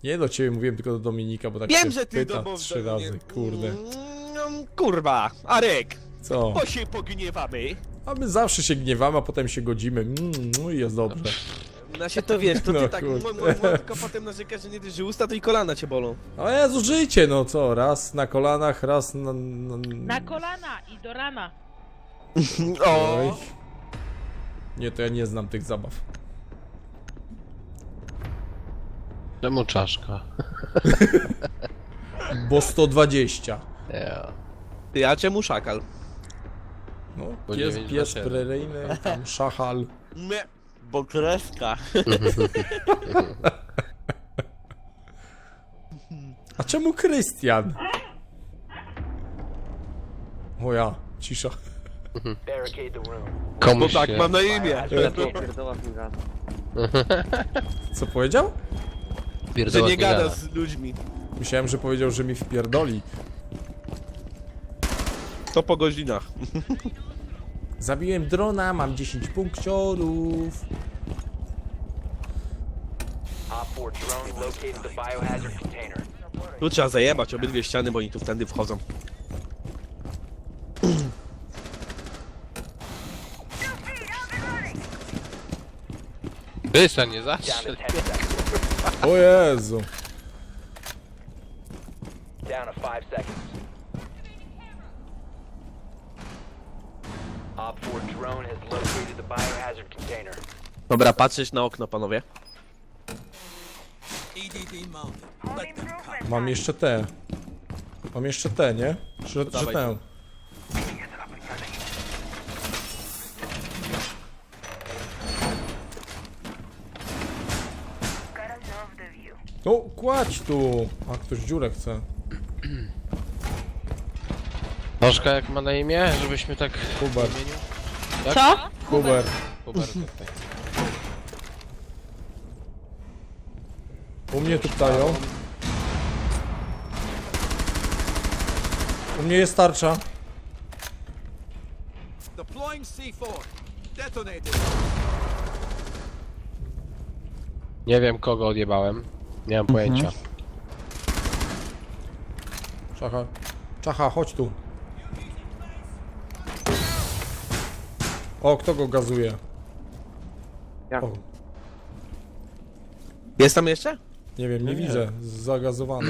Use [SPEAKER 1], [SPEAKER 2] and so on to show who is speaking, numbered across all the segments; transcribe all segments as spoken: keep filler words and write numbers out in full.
[SPEAKER 1] Nie do ciebie mówiłem, tylko do Dominika, bo tak
[SPEAKER 2] Wiem,
[SPEAKER 1] się
[SPEAKER 2] że ty
[SPEAKER 1] pyta
[SPEAKER 2] do
[SPEAKER 1] trzy razy, kurde.
[SPEAKER 2] Mm, kurwa, Arek,
[SPEAKER 1] Co?
[SPEAKER 2] bo się pogniewamy.
[SPEAKER 1] A my zawsze się gniewamy, a potem się godzimy. Mm, no i jest dobrze.
[SPEAKER 2] No się to wiesz, to ty
[SPEAKER 1] No,
[SPEAKER 2] tak
[SPEAKER 1] kurde.
[SPEAKER 2] mo- mo- mo- tylko potem narzekasz, że nie dyszy usta, to i kolana cię bolą.
[SPEAKER 1] O Jezu, życie, no co? Raz na kolanach, raz na... na...
[SPEAKER 3] Na kolana i do rana.
[SPEAKER 1] Oj. Nie, to ja nie znam tych zabaw.
[SPEAKER 4] Czemu czaszka?
[SPEAKER 1] Bo sto dwadzieścia.
[SPEAKER 4] Yeah.
[SPEAKER 2] Ty, a czemu szakal?
[SPEAKER 1] No,
[SPEAKER 4] Bo
[SPEAKER 1] pies,
[SPEAKER 4] dziewięć
[SPEAKER 1] pies
[SPEAKER 4] na siedem.
[SPEAKER 1] preryjny, tam szachal.
[SPEAKER 2] Nie, bo kreska.
[SPEAKER 1] A czemu Krystian? O ja, cisza.
[SPEAKER 2] Bo
[SPEAKER 4] Komuś
[SPEAKER 2] tak
[SPEAKER 4] się...
[SPEAKER 2] mam na imię.
[SPEAKER 1] Co powiedział?
[SPEAKER 2] Że
[SPEAKER 4] Pierdoła
[SPEAKER 2] nie gada z ludźmi.
[SPEAKER 1] Myślałem, że powiedział, że mi wpierdoli.
[SPEAKER 2] To po godzinach.
[SPEAKER 1] Zabiłem drona, mam dziesięć punkciorów.
[SPEAKER 2] Tu trzeba zajebać obydwie ściany, bo oni tu wtedy wchodzą.
[SPEAKER 4] Wysa nie zastrzel.
[SPEAKER 1] O Jezu.
[SPEAKER 5] Down to five seconds. Op four drone has located the biohazard container.
[SPEAKER 2] Dobra, patrzeć na okno, panowie.
[SPEAKER 1] Mam jeszcze te. Mam jeszcze te, nie? Że, że
[SPEAKER 2] dawaj.
[SPEAKER 1] tę. No, kładź tu. A ktoś dziurę chce.
[SPEAKER 4] Czaszka jak ma na imię, żebyśmy tak...
[SPEAKER 1] Hubert.
[SPEAKER 4] Tak?
[SPEAKER 3] Co?
[SPEAKER 1] Hubert.
[SPEAKER 4] Hubert, tutaj.
[SPEAKER 1] U mnie tu ptają. U mnie jest tarcza.
[SPEAKER 6] Deploying C four. Detonated.
[SPEAKER 4] Nie wiem kogo odjebałem. Nie mam pojęcia.
[SPEAKER 1] Czacha. Czacha, chodź tu. O, kto go gazuje?
[SPEAKER 7] Ja.
[SPEAKER 1] O,
[SPEAKER 2] Jest tam jeszcze?
[SPEAKER 1] nie wiem, nie,
[SPEAKER 4] Nie, nie.
[SPEAKER 1] widzę. Zagazowany.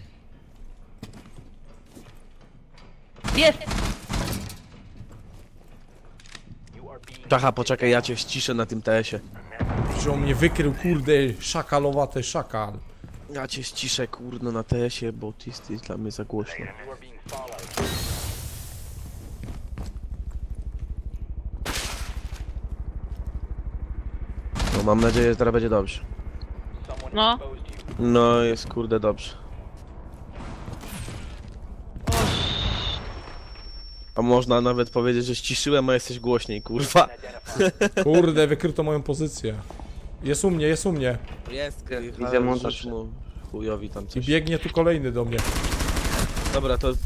[SPEAKER 3] Jest!
[SPEAKER 2] Czacha, poczekaj, ja cię ściszę na tym T S-ie.
[SPEAKER 1] Że on mnie wykrył, kurde, szakalowate szakal.
[SPEAKER 2] Ja cię ściszę, kurno, na T S-ie, bo ty jesteś dla mnie za głośno.
[SPEAKER 5] You are being followed.
[SPEAKER 2] No, mam nadzieję, że teraz będzie dobrze.
[SPEAKER 5] Someone
[SPEAKER 3] No.
[SPEAKER 5] exposed you.
[SPEAKER 2] No, jest kurde dobrze. A można nawet powiedzieć, że ściszyłem, a jesteś głośniej, kurwa.
[SPEAKER 5] Identified.
[SPEAKER 1] Kurde, wykryto moją pozycję. Jest u mnie, jest u mnie.
[SPEAKER 2] Jest,
[SPEAKER 7] Widzę montaż.
[SPEAKER 2] mu chujowi tam
[SPEAKER 1] I
[SPEAKER 2] coś.
[SPEAKER 1] biegnie tu kolejny do mnie.
[SPEAKER 2] Dobra, to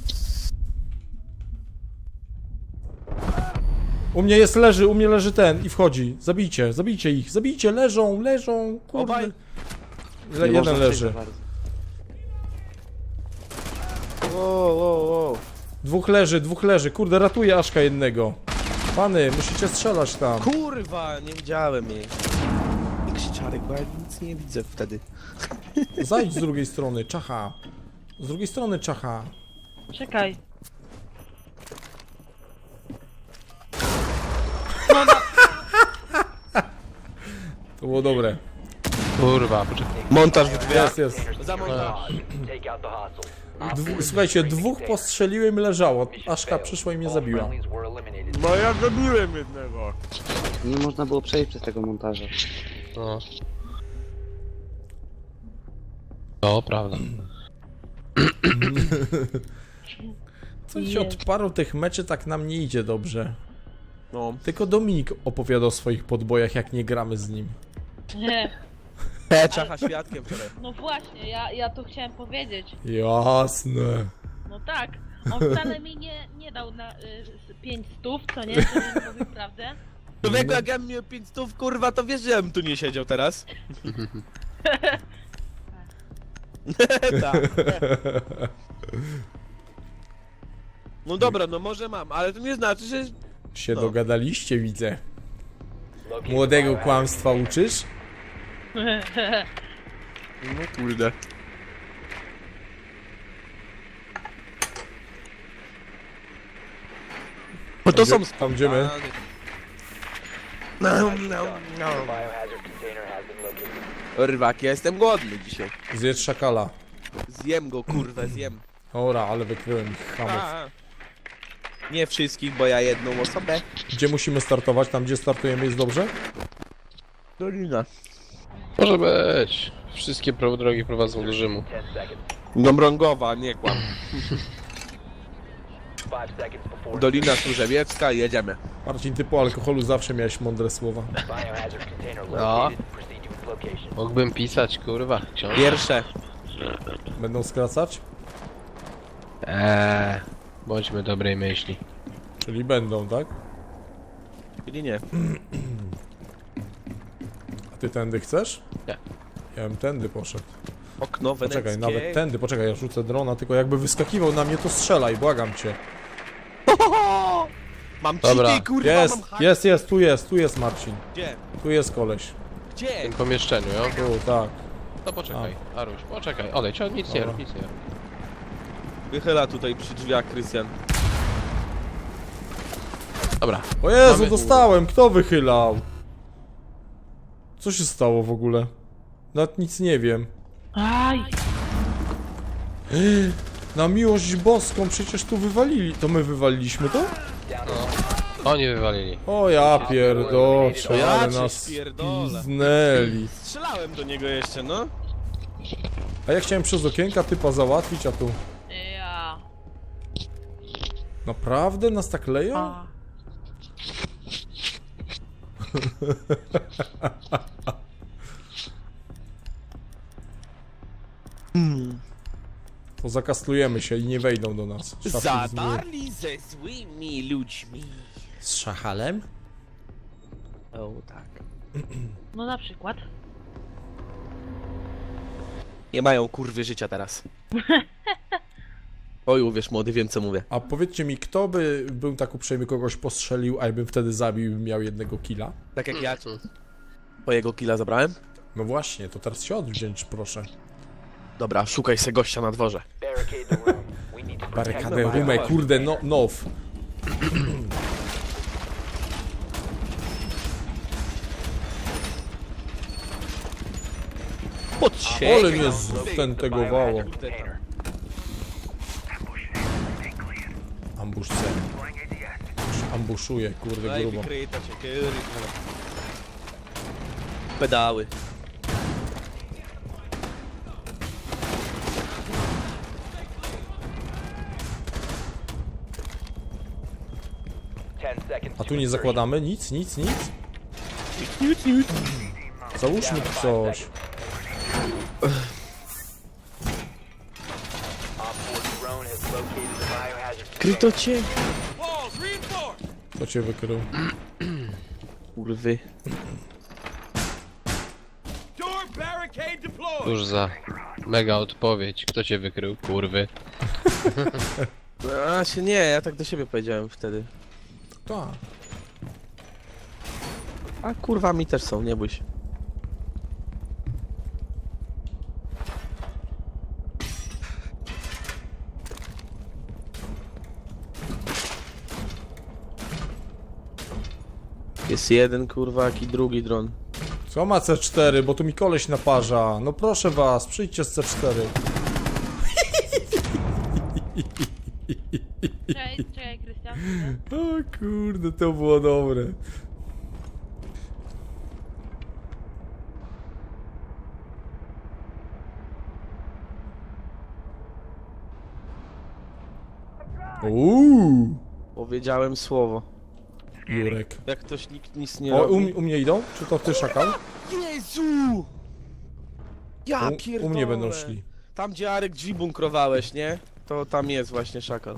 [SPEAKER 1] U mnie jest, leży, u mnie leży ten i wchodzi. Zabijcie, zabijcie ich, zabijcie, leżą, leżą, kurde.
[SPEAKER 2] Obaj?
[SPEAKER 1] Le,
[SPEAKER 7] Nie
[SPEAKER 1] jeden
[SPEAKER 7] można
[SPEAKER 1] leży.
[SPEAKER 7] przejść za bardzo.
[SPEAKER 2] Wow, wow, wow.
[SPEAKER 1] Dwóch leży, dwóch leży. Kurde, ratuję Aszka jednego. Pany, musicie strzelać tam.
[SPEAKER 2] Kurwa, nie widziałem jej. I krzyczarek, bo ja nic nie widzę wtedy.
[SPEAKER 1] Zajdź z drugiej strony, czacha. Z drugiej strony, czacha.
[SPEAKER 3] Czekaj.
[SPEAKER 1] To było dobre.
[SPEAKER 4] Kurwa, poczekaj.
[SPEAKER 2] Montaż w drzwiach.
[SPEAKER 1] Jest, jest.
[SPEAKER 2] Za montaż.
[SPEAKER 5] Take out the hostile.
[SPEAKER 1] Dwu, słuchajcie, dwóch postrzeliłem i leżało. Aszka przyszła i mnie
[SPEAKER 5] All
[SPEAKER 1] zabiła.
[SPEAKER 5] friendlies were eliminated.
[SPEAKER 2] No ja zabiłem jednego.
[SPEAKER 7] Nie można było przejść przez tego montaża.
[SPEAKER 4] No. To prawda.
[SPEAKER 1] Coś od paru tych meczy tak nam nie idzie dobrze.
[SPEAKER 2] No.
[SPEAKER 1] Tylko Dominik opowiada o swoich podbojach, jak nie gramy z nim.
[SPEAKER 3] Nie.
[SPEAKER 2] Te czacha świadkiem wczoraj.
[SPEAKER 3] No właśnie, ja, ja to chciałem powiedzieć.
[SPEAKER 1] Jasne.
[SPEAKER 3] No tak. On wcale mi nie, nie dał na y, pięć stów, co nie? Żebym mówił prawdę.
[SPEAKER 2] Człowieku, jak ja bym miał pięć stów, kurwa, to wiesz, że ja bym tu nie siedział teraz. Tak. No dobra, no może mam, ale to nie znaczy, że...
[SPEAKER 1] Się
[SPEAKER 2] No.
[SPEAKER 1] dogadaliście, widzę.
[SPEAKER 5] Locate the
[SPEAKER 1] Młodego
[SPEAKER 5] biohazard
[SPEAKER 1] kłamstwa uczysz?
[SPEAKER 2] No kurde. Bo to są...
[SPEAKER 1] Tam gdzie my?
[SPEAKER 2] No, no,
[SPEAKER 5] The
[SPEAKER 2] no.
[SPEAKER 5] biohazard container has been located.
[SPEAKER 2] Rybak, ja jestem głodny dzisiaj.
[SPEAKER 1] Zjedz szakala.
[SPEAKER 2] Zjem go, kurwę, zjem.
[SPEAKER 1] Ora, ale wykryłem ich hamów.
[SPEAKER 2] A, nie wszystkich, bo ja jedną osobę.
[SPEAKER 1] Gdzie musimy startować? Tam gdzie startujemy jest dobrze?
[SPEAKER 2] Dolina.
[SPEAKER 4] Może być. Wszystkie pro- drogi prowadzą do Rzymu.
[SPEAKER 5] ten seconds.
[SPEAKER 2] Dąbrągowa, nie kłam.
[SPEAKER 5] five seconds before
[SPEAKER 2] Dolina Służewiecka, jedziemy.
[SPEAKER 1] Marcin, ty po alkoholu zawsze miałeś mądre słowa.
[SPEAKER 5] biohazard container
[SPEAKER 4] No.
[SPEAKER 5] located. Proceed to its location.
[SPEAKER 4] Mógłbym pisać, kurwa, książkę.
[SPEAKER 2] Pierwsze.
[SPEAKER 1] Będą skracać?
[SPEAKER 4] Eee, bądźmy dobrej myśli.
[SPEAKER 1] Czyli będą, tak?
[SPEAKER 2] Czyli nie.
[SPEAKER 1] A ty tędy chcesz?
[SPEAKER 4] Nie.
[SPEAKER 1] Ja bym tędy poszedł.
[SPEAKER 2] Okno weneckie.
[SPEAKER 1] Poczekaj, nawet tędy, poczekaj, ja rzucę drona, tylko jakby wyskakiwał na mnie, to strzelaj, błagam cię.
[SPEAKER 2] Mam
[SPEAKER 4] Dobra.
[SPEAKER 2] cheaty, kurwa,
[SPEAKER 1] Jest,
[SPEAKER 2] mam hack.
[SPEAKER 1] jest, jest, tu jest, tu jest Marcin.
[SPEAKER 2] Gdzie?
[SPEAKER 1] Tu jest koleś.
[SPEAKER 4] W
[SPEAKER 2] Gdzie?
[SPEAKER 4] tym pomieszczeniu, jo?
[SPEAKER 1] Tu, tak.
[SPEAKER 4] To poczekaj, Aruś, poczekaj, odejdź, o, nic nie
[SPEAKER 1] Dobra.
[SPEAKER 4] rób, nic nie rób.
[SPEAKER 2] Wychyla tutaj przy drzwiach, Krystian.
[SPEAKER 4] Dobra,
[SPEAKER 1] O Jezu,
[SPEAKER 4] Mamy-
[SPEAKER 1] dostałem, kto wychylał? Co się stało w ogóle? Nawet nic nie wiem.
[SPEAKER 3] Aj!
[SPEAKER 1] Na miłość boską, przecież tu wywalili. To my wywaliliśmy to?
[SPEAKER 4] oni wywalili.
[SPEAKER 1] O ja pierdoczę,
[SPEAKER 2] Ja
[SPEAKER 1] ale
[SPEAKER 2] cię
[SPEAKER 1] nas
[SPEAKER 2] pierdolę.
[SPEAKER 1] piznęli.
[SPEAKER 2] Strzelałem do niego jeszcze, no.
[SPEAKER 1] A ja chciałem przez okienka typa załatwić, a tu...
[SPEAKER 3] Ja.
[SPEAKER 1] Naprawdę? Nas tak leją?
[SPEAKER 3] A.
[SPEAKER 1] To zakaslujemy się i nie wejdą do nas. Szafki z,
[SPEAKER 2] Zadarli ze złymi ludźmi.
[SPEAKER 1] z szachalem?
[SPEAKER 2] O, tak.
[SPEAKER 3] No na przykład.
[SPEAKER 2] Nie mają kurwy życia teraz. Oj, uwierz młody, wiem co mówię.
[SPEAKER 1] A powiedzcie mi, kto by był tak uprzejmy, kogoś postrzelił, a ja bym wtedy zabił i bym miał jednego killa?
[SPEAKER 2] Tak jak ja twojego killa zabrałem?
[SPEAKER 1] No właśnie, to teraz się odwdzięcz, proszę.
[SPEAKER 2] Dobra, szukaj se gościa na dworze.
[SPEAKER 5] Barricade the room. We need to protect the
[SPEAKER 1] Barykadę, rumę,
[SPEAKER 5] biohazard.
[SPEAKER 1] kurde, no, now.
[SPEAKER 2] Pod siebie.
[SPEAKER 1] Ale mnie
[SPEAKER 5] Locate the
[SPEAKER 1] stentegowało.
[SPEAKER 5] biohazard container.
[SPEAKER 1] Ambush C. Ambushuje, kurde,
[SPEAKER 2] Daj
[SPEAKER 1] grubo.
[SPEAKER 2] wykryta cię, kurwa. Pedały.
[SPEAKER 5] ten seconds
[SPEAKER 1] A
[SPEAKER 5] to
[SPEAKER 1] tu nie
[SPEAKER 5] insertion.
[SPEAKER 1] zakładamy? Nic, nic, nic? Załóżmy tu coś.
[SPEAKER 5] Op four drone has located the biohazard
[SPEAKER 2] Kryto
[SPEAKER 5] container.
[SPEAKER 2] cię.
[SPEAKER 6] Walls reinforced.
[SPEAKER 1] Kto cię wykrył?
[SPEAKER 2] Kurwy.
[SPEAKER 6] Door barricade deployed.
[SPEAKER 4] Cóż za mega odpowiedź. Kto cię wykrył, kurwy?
[SPEAKER 2] A się nie, ja tak do siebie powiedziałem wtedy.
[SPEAKER 1] Tak.
[SPEAKER 2] A kurwa mi też są, nie bój się. Jest jeden kurwa, i drugi dron.
[SPEAKER 1] Co ma C cztery, bo tu mi koleś naparza. No proszę was, przyjdźcie z C cztery.
[SPEAKER 3] Czekaj, czekaj, Krystian.
[SPEAKER 1] O kurde, to było dobre. Uuu,
[SPEAKER 2] Powiedziałem słowo.
[SPEAKER 1] Jurek.
[SPEAKER 2] Jak ktoś nikt nic nie
[SPEAKER 1] O,
[SPEAKER 2] robi.
[SPEAKER 1] u, m- u mnie idą? Czy to ty, szakal?
[SPEAKER 2] Jezu! Ja
[SPEAKER 1] U,
[SPEAKER 2] pierdolę.
[SPEAKER 1] u mnie będą szli.
[SPEAKER 2] Tam gdzie Arek drzwi bunkrowałeś, nie? To tam jest właśnie szakal.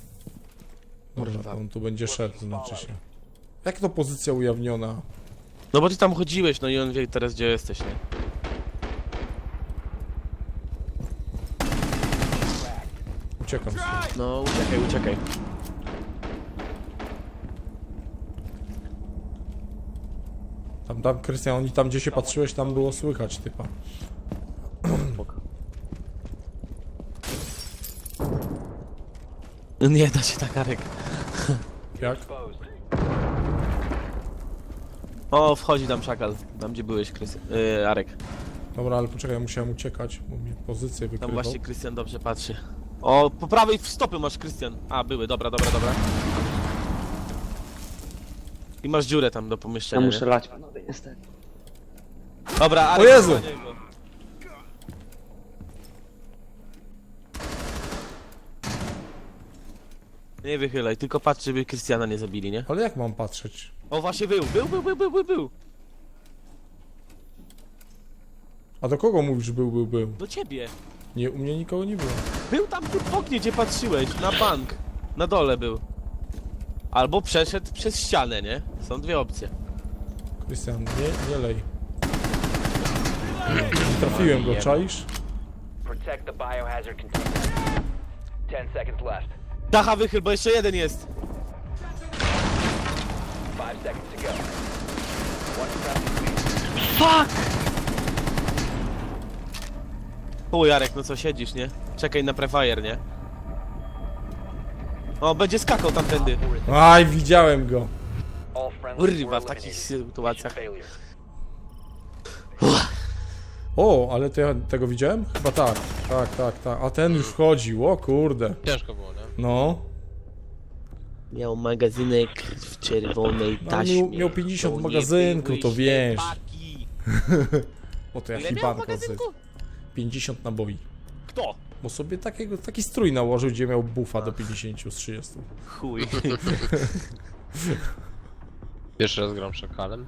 [SPEAKER 1] Dobra, on tu będzie szedł, znaczy się. Jak to pozycja ujawniona?
[SPEAKER 2] No bo ty tam chodziłeś, no i on wie teraz gdzie jesteś, nie?
[SPEAKER 1] Uciekam.
[SPEAKER 2] No uciekaj, uciekaj.
[SPEAKER 1] Tam, tam, Krystian, oni tam gdzie się patrzyłeś, tam było słychać typa.
[SPEAKER 2] Nie da się tak, Arek.
[SPEAKER 1] Jak?
[SPEAKER 2] O, wchodzi tam szakal. Tam gdzie byłeś, Krystian. Yy, Arek.
[SPEAKER 1] Dobra, ale poczekaj, musiałem uciekać, bo mi pozycję
[SPEAKER 2] Tam
[SPEAKER 1] wykrywał.
[SPEAKER 2] właśnie Krystian dobrze patrzy. O, po prawej w stopy masz, Krystian. A, były, dobra, dobra, dobra. I masz dziurę tam do
[SPEAKER 7] Ja
[SPEAKER 2] pomieszczenia.
[SPEAKER 7] muszę
[SPEAKER 2] nie?
[SPEAKER 7] lać, panowie, niestety.
[SPEAKER 2] Dobra, Arek,
[SPEAKER 1] O Jezu!
[SPEAKER 2] na niego. Nie wychylaj, tylko patrz, żeby Krystiana nie zabili, nie?
[SPEAKER 1] Ale jak mam patrzeć?
[SPEAKER 2] O, właśnie był, był, był, był, był, był, był.
[SPEAKER 1] A do kogo mówisz był, był, był?
[SPEAKER 2] Do ciebie.
[SPEAKER 1] Nie, u mnie nikogo nie było.
[SPEAKER 2] Był tam ty w oknie, gdzie patrzyłeś, na bank. Na dole był. Albo przeszedł przez ścianę, nie? Są dwie opcje.
[SPEAKER 1] Krystian, nie, nie lej. Nie trafiłem go, czaisz?
[SPEAKER 5] Protect the biohazard container. Ten seconds left.
[SPEAKER 2] Dacha wychyl, bo jeszcze jeden jest.
[SPEAKER 5] Five seconds to go. One friendly.
[SPEAKER 2] O, Jarek, no co siedzisz, nie? Czekaj na prefire, nie? O, będzie skakał tamtędy.
[SPEAKER 1] Aj, widziałem go.
[SPEAKER 5] All friendlies
[SPEAKER 2] Kurwa,
[SPEAKER 5] were
[SPEAKER 2] w takich
[SPEAKER 5] eliminated.
[SPEAKER 2] sytuacjach.
[SPEAKER 5] Failure.
[SPEAKER 1] O, ale to ja tego widziałem? Chyba tak. Tak, tak, tak. A ten już wchodził, o kurde.
[SPEAKER 4] Ciężko było, nie?
[SPEAKER 1] No.
[SPEAKER 2] Miał magazynek w czerwonej
[SPEAKER 1] No,
[SPEAKER 2] taśmie.
[SPEAKER 1] miał- miał pięćdziesiąt
[SPEAKER 2] To nie
[SPEAKER 1] magazynku,
[SPEAKER 2] były
[SPEAKER 1] to wiesz.
[SPEAKER 2] ślepaki.
[SPEAKER 1] O, to ja
[SPEAKER 2] Ile miał
[SPEAKER 1] hibanko z
[SPEAKER 2] magazynku?
[SPEAKER 1] pięćdziesiąt naboi.
[SPEAKER 2] Kto?
[SPEAKER 1] Bo sobie takiego, taki strój nałożył, gdzie miał buffa do pięćdziesięciu z trzydziestu.
[SPEAKER 2] Chuj.
[SPEAKER 4] Pierwszy raz gram szakalem.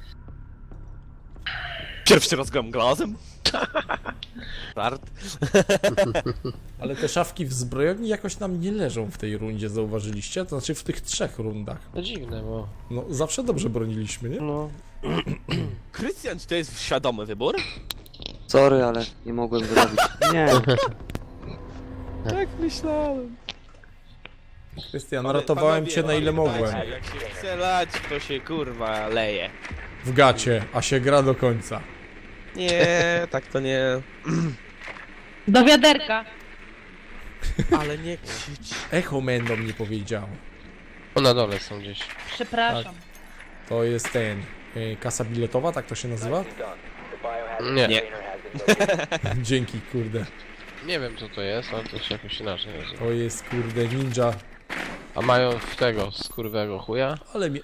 [SPEAKER 2] Pierwszy raz gram glazem. Start.
[SPEAKER 1] Ale te szafki w zbrojowni jakoś nam nie leżą w tej rundzie, zauważyliście? To znaczy w tych trzech rundach.
[SPEAKER 4] No dziwne, bo...
[SPEAKER 1] No, zawsze dobrze broniliśmy, nie?
[SPEAKER 4] No...
[SPEAKER 2] Krystian, czy to jest świadomy wybór?
[SPEAKER 7] Sorry, ale nie mogłem wyrobić. Nie,
[SPEAKER 2] Tak myślałem.
[SPEAKER 1] Krystian, ratowałem cię na ile mogłem.
[SPEAKER 2] Jak się chce lać, to się kurwa leje.
[SPEAKER 1] W gacie, a się gra do końca.
[SPEAKER 2] Nie, tak to nie.
[SPEAKER 3] Do wiaderka.
[SPEAKER 2] Ale nie krzycz.
[SPEAKER 1] Echo Man do mnie powiedział.
[SPEAKER 4] O, na dole są gdzieś.
[SPEAKER 3] Przepraszam.
[SPEAKER 1] To jest ten... y, kasa biletowa, tak to się nazywa?
[SPEAKER 5] Nicely done. The biohazard
[SPEAKER 4] Nie.
[SPEAKER 5] container has been located.
[SPEAKER 1] Dzięki, kurde.
[SPEAKER 4] Nie wiem co to jest, ale to się jakoś inaczej nazywa.
[SPEAKER 1] To jest, kurde, ninja.
[SPEAKER 4] A mają w tego skurwego chuja?
[SPEAKER 1] Ale mi...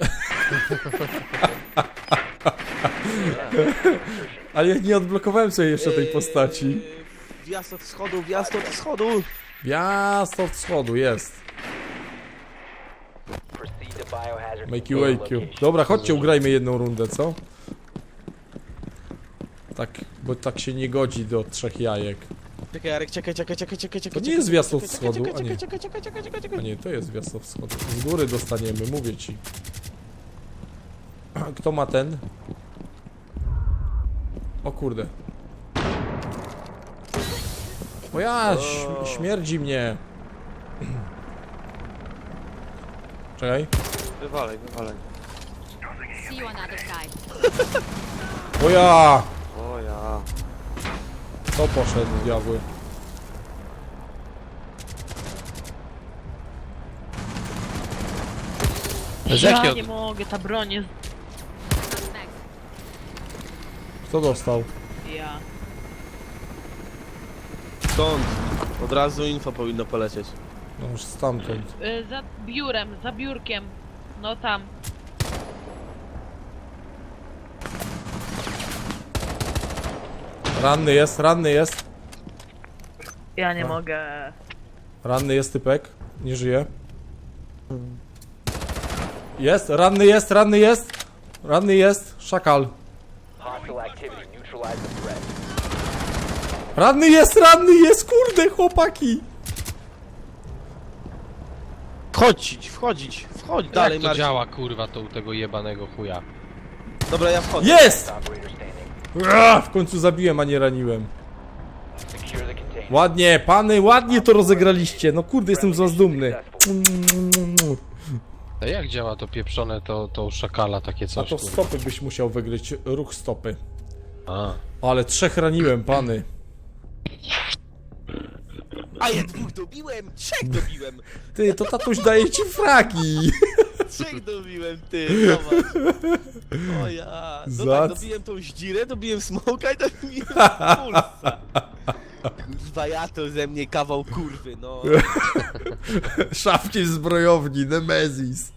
[SPEAKER 1] Ale ja nie odblokowałem sobie jeszcze tej postaci.
[SPEAKER 2] Wjazd od schodu, wjazd od schodu.
[SPEAKER 1] Wjazd od schodu, jest.
[SPEAKER 5] Proceed to biohazard
[SPEAKER 1] Make you
[SPEAKER 5] container
[SPEAKER 1] wake you.
[SPEAKER 5] location.
[SPEAKER 1] Dobra, chodźcie, ugrajmy jedną rundę, co? Tak, bo tak się nie godzi do trzech jajek.
[SPEAKER 2] Czekaj, Jarek, czekaj, czekaj, czekaj, czekaj, czekaj.
[SPEAKER 1] To nie jest wjazd od
[SPEAKER 2] czekaj,
[SPEAKER 1] schodu,
[SPEAKER 2] czekaj,
[SPEAKER 1] a nie.
[SPEAKER 2] Czekaj, czekaj, czekaj, czekaj,
[SPEAKER 1] A
[SPEAKER 2] czekaj.
[SPEAKER 1] nie, to jest wjazd od schodu. Z góry dostaniemy, mówię ci. Kto ma ten? O kurde. O ja, ś- śmierdzi mnie. Czekaj.
[SPEAKER 2] Wywalaj, wywalaj.
[SPEAKER 8] See you on the other side.
[SPEAKER 1] O ja!
[SPEAKER 7] o ja.
[SPEAKER 1] To poszedł, diabły.
[SPEAKER 4] Z
[SPEAKER 3] Ja
[SPEAKER 4] jakiego...
[SPEAKER 3] nie mogę, ta broń jest...
[SPEAKER 1] Kto dostał?
[SPEAKER 3] Ja.
[SPEAKER 2] Stąd. Od razu info powinno polecieć.
[SPEAKER 1] No już stamtąd.
[SPEAKER 3] Y, za biurem, za biurkiem. No tam.
[SPEAKER 1] Ranny jest, ranny jest.
[SPEAKER 3] Ja nie
[SPEAKER 1] A.
[SPEAKER 3] mogę.
[SPEAKER 1] Ranny jest typek. Nie żyje. Jest, ranny jest, ranny jest. Ranny jest. Szakal.
[SPEAKER 5] Hostile activity. Neutralize the threat.
[SPEAKER 1] Ranny jest, ranny jest, kurde, chłopaki.
[SPEAKER 2] Wchodzić, wchodzić, wchodź dalej,
[SPEAKER 4] Jak to
[SPEAKER 2] Marcin.
[SPEAKER 4] działa kurwa to u tego jebanego chuja?
[SPEAKER 2] Dobra, ja wchodzę.
[SPEAKER 1] Jest!
[SPEAKER 5] Operator standing.
[SPEAKER 1] Ua, w końcu zabiłem, a nie raniłem.
[SPEAKER 5] Secure the container.
[SPEAKER 1] Ładnie, pany, ładnie to rozegraliście. No kurde, jestem z was dumny.
[SPEAKER 4] A jak działa to pieprzone, to, to u szakala takie
[SPEAKER 1] A
[SPEAKER 4] coś?
[SPEAKER 1] to
[SPEAKER 4] kurwa?
[SPEAKER 1] stopy byś musiał wygryć, ruch stopy.
[SPEAKER 4] A.
[SPEAKER 1] Ale trzech raniłem, pany.
[SPEAKER 2] A ja dwóch dobiłem, trzech dobiłem,
[SPEAKER 1] Ty, to tatuś daje ci fragi.
[SPEAKER 2] trzech dobiłem, ty, zobacz. O ja, no
[SPEAKER 1] Zac-
[SPEAKER 2] tak, dobiłem tą zdzirę, dobiłem smoka i dobiłem pulsa. Kurwa, ja to ze mnie kawał kurwy, no.
[SPEAKER 1] Szafki w zbrojowni, Nemezis.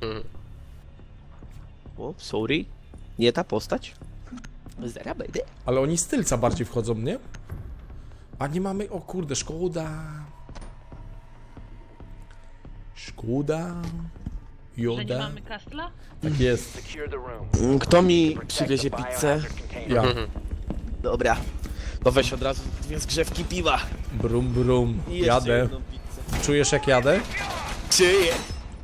[SPEAKER 2] O, sorry, nie ta postać. Zara będę.
[SPEAKER 1] Ale oni z tylca bardziej wchodzą, nie? A nie mamy... O kurde, szkoda. Szkoda.
[SPEAKER 3] Że nie
[SPEAKER 1] Joda.
[SPEAKER 3] mamy kastla?
[SPEAKER 1] Tak jest.
[SPEAKER 5] Secure the room.
[SPEAKER 2] Kto mi
[SPEAKER 5] Protect
[SPEAKER 2] przywiezie
[SPEAKER 5] the
[SPEAKER 2] pizzę?
[SPEAKER 5] biohazard container.
[SPEAKER 1] Ja.
[SPEAKER 2] Dobra. No weź od razu dwie zgrzewki piwa.
[SPEAKER 1] Brum, brum.
[SPEAKER 2] I jeszcze
[SPEAKER 1] Jadę.
[SPEAKER 2] jedną pizzę.
[SPEAKER 1] Czujesz jak jadę?
[SPEAKER 2] Czyje?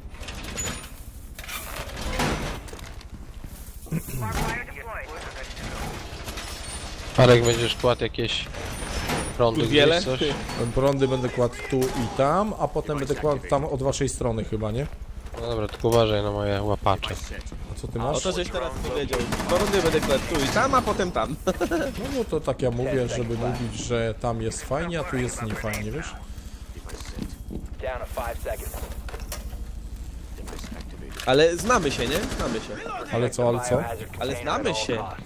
[SPEAKER 4] Parek będziesz kładł jakieś prądy
[SPEAKER 2] Wiele?
[SPEAKER 4] gdzieś, coś?
[SPEAKER 1] Prądy będę kładł tu i tam, a potem będę kładł tam od waszej strony chyba, nie?
[SPEAKER 4] No dobra, tylko uważaj na moje łapacze.
[SPEAKER 1] A co ty
[SPEAKER 2] O
[SPEAKER 1] masz?
[SPEAKER 2] to żeś teraz powiedział. Porody będę kładł tu i tam, a potem tam.
[SPEAKER 1] No, no to tak ja mówię, żeby mówić, że tam jest fajnie, a tu jest niefajnie, wiesz?
[SPEAKER 5] Down to five seconds.
[SPEAKER 2] Ale znamy się, nie? Znamy się.
[SPEAKER 1] Ale co, ale co?
[SPEAKER 5] Biohazard
[SPEAKER 2] Ale
[SPEAKER 5] container
[SPEAKER 2] znamy
[SPEAKER 5] at all
[SPEAKER 2] się.
[SPEAKER 5] costs.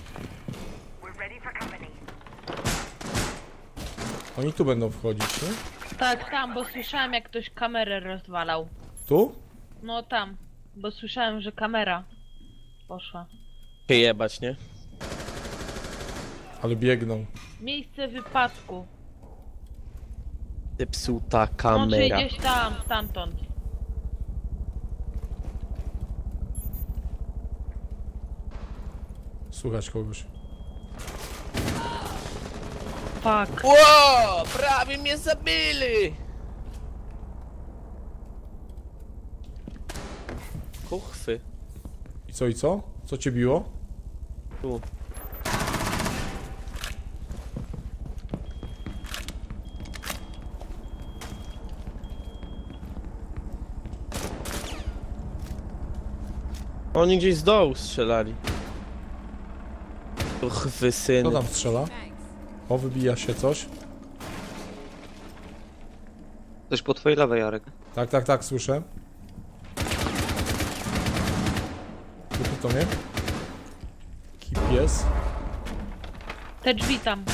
[SPEAKER 1] Oni tu będą wchodzić, nie?
[SPEAKER 3] Tak, tam, bo słyszałem jak ktoś kamerę rozwalał.
[SPEAKER 1] Tu?
[SPEAKER 3] No tam, bo słyszałem, że kamera poszła.
[SPEAKER 2] Się jebać, nie?
[SPEAKER 1] Ale biegną.
[SPEAKER 3] Miejsce wypadku.
[SPEAKER 2] Zepsuta
[SPEAKER 3] No, czyli
[SPEAKER 2] kamera.
[SPEAKER 3] gdzieś tam, stamtąd.
[SPEAKER 1] Słuchać kogoś.
[SPEAKER 3] Fuck.
[SPEAKER 2] Ło! Prawie mnie zabili! Kuchwy.
[SPEAKER 1] I co, i co? Co cię biło?
[SPEAKER 2] Tu. Oni gdzieś z dołu strzelali. Kuchwy
[SPEAKER 1] Kto
[SPEAKER 2] syny.
[SPEAKER 1] tam strzela? O, wybija się coś.
[SPEAKER 7] Coś po twojej lewej, Jarek.
[SPEAKER 1] Tak, tak, tak, słyszę. Tu to mnie. Taki pies.
[SPEAKER 3] Te drzwi tam.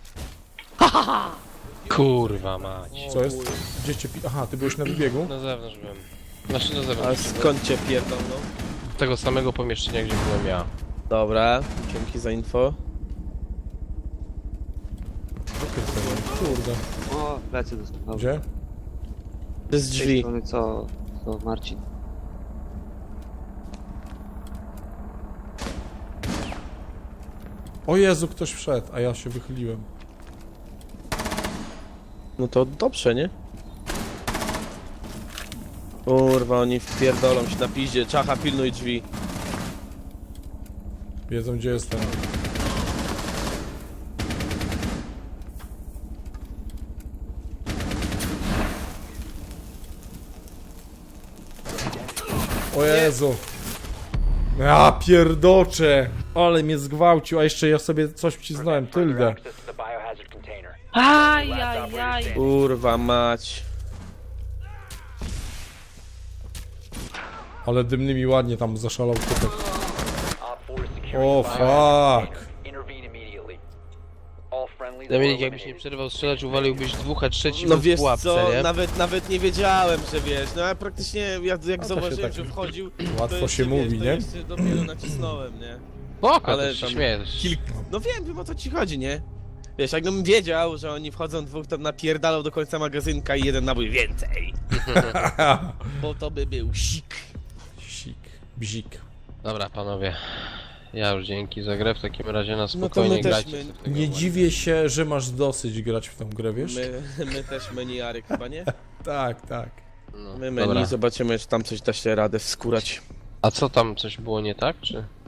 [SPEAKER 4] Kurwa mać.
[SPEAKER 1] Co jest? Gdzie cię pi... Aha, ty byłeś na wybiegu?
[SPEAKER 4] Na zewnątrz byłem. Znaczy na
[SPEAKER 2] A
[SPEAKER 4] zewnątrz.
[SPEAKER 2] skąd cię pierdolną?
[SPEAKER 4] Tego samego pomieszczenia, gdzie byłem ja.
[SPEAKER 2] Dobra, dzięki za info.
[SPEAKER 1] Kurde.
[SPEAKER 7] O, plecy dostał. Dobrze.
[SPEAKER 1] Gdzie?
[SPEAKER 2] To jest
[SPEAKER 7] Z tej
[SPEAKER 2] drzwi.
[SPEAKER 7] strony co, co Marcin.
[SPEAKER 1] O Jezu, ktoś wszedł, a ja się wychyliłem.
[SPEAKER 2] No to dobrze, nie? Kurwa, oni wpierdolą się na piździe. Czacha, pilnuj drzwi.
[SPEAKER 1] Wiedzą, gdzie jestem. O Jezu. Ja pierdoczę. Ale mnie zgwałcił, a jeszcze ja sobie coś wcisnąłem,
[SPEAKER 5] Further
[SPEAKER 1] tyldę.
[SPEAKER 5] access to the biohazard container.
[SPEAKER 3] Ajajaj.
[SPEAKER 2] Kurwa mać.
[SPEAKER 1] Ale dymnymi ładnie tam zaszalał typek.
[SPEAKER 5] Op four is securing
[SPEAKER 1] O
[SPEAKER 5] the biohazard
[SPEAKER 1] fuck.
[SPEAKER 5] container. Intervene immediately. All friendlies
[SPEAKER 4] Dominik,
[SPEAKER 5] were
[SPEAKER 4] jakbyś nie
[SPEAKER 5] eliminated.
[SPEAKER 4] przerwał strzelać, uwaliłbyś dwóch, a trzeci
[SPEAKER 2] No
[SPEAKER 4] był w
[SPEAKER 2] wiesz
[SPEAKER 4] pułapce,
[SPEAKER 2] co,
[SPEAKER 4] nie?
[SPEAKER 2] nawet, nawet nie wiedziałem, że wiesz, no ja praktycznie jak, jak
[SPEAKER 1] się
[SPEAKER 2] zauważyłem,
[SPEAKER 1] tak
[SPEAKER 2] że wchodził,
[SPEAKER 1] łatwo
[SPEAKER 2] to jeszcze,
[SPEAKER 1] się
[SPEAKER 2] wiesz,
[SPEAKER 1] mówi,
[SPEAKER 2] to
[SPEAKER 1] nie?
[SPEAKER 2] jeszcze dopiero nacisnąłem, nie?
[SPEAKER 4] Spoko,
[SPEAKER 2] ale
[SPEAKER 4] ale się
[SPEAKER 2] tam
[SPEAKER 4] śmieję.
[SPEAKER 2] Kilk... No wiem, wiem o co ci chodzi, nie? Wiesz, jakbym wiedział, że oni wchodzą dwóch, to napierdalał do końca magazynka i jeden nabój więcej. Bo to by był sik.
[SPEAKER 1] Sik, bzik.
[SPEAKER 4] Dobra, panowie. Ja już dzięki za grę, w takim razie na
[SPEAKER 2] No to
[SPEAKER 4] spokojnie
[SPEAKER 2] my też
[SPEAKER 4] grajcie.
[SPEAKER 2] my-
[SPEAKER 4] sobie w tego
[SPEAKER 1] Nie
[SPEAKER 4] ładnie.
[SPEAKER 1] dziwię się, że masz dosyć grać w tą grę, wiesz?
[SPEAKER 2] My, my też menu Jarek chyba, nie?
[SPEAKER 1] Tak, tak.
[SPEAKER 4] No,
[SPEAKER 2] My menu,
[SPEAKER 4] dobra.
[SPEAKER 2] zobaczymy, czy tam coś da się radę wskurać.
[SPEAKER 4] A co tam, coś było nie tak, czy?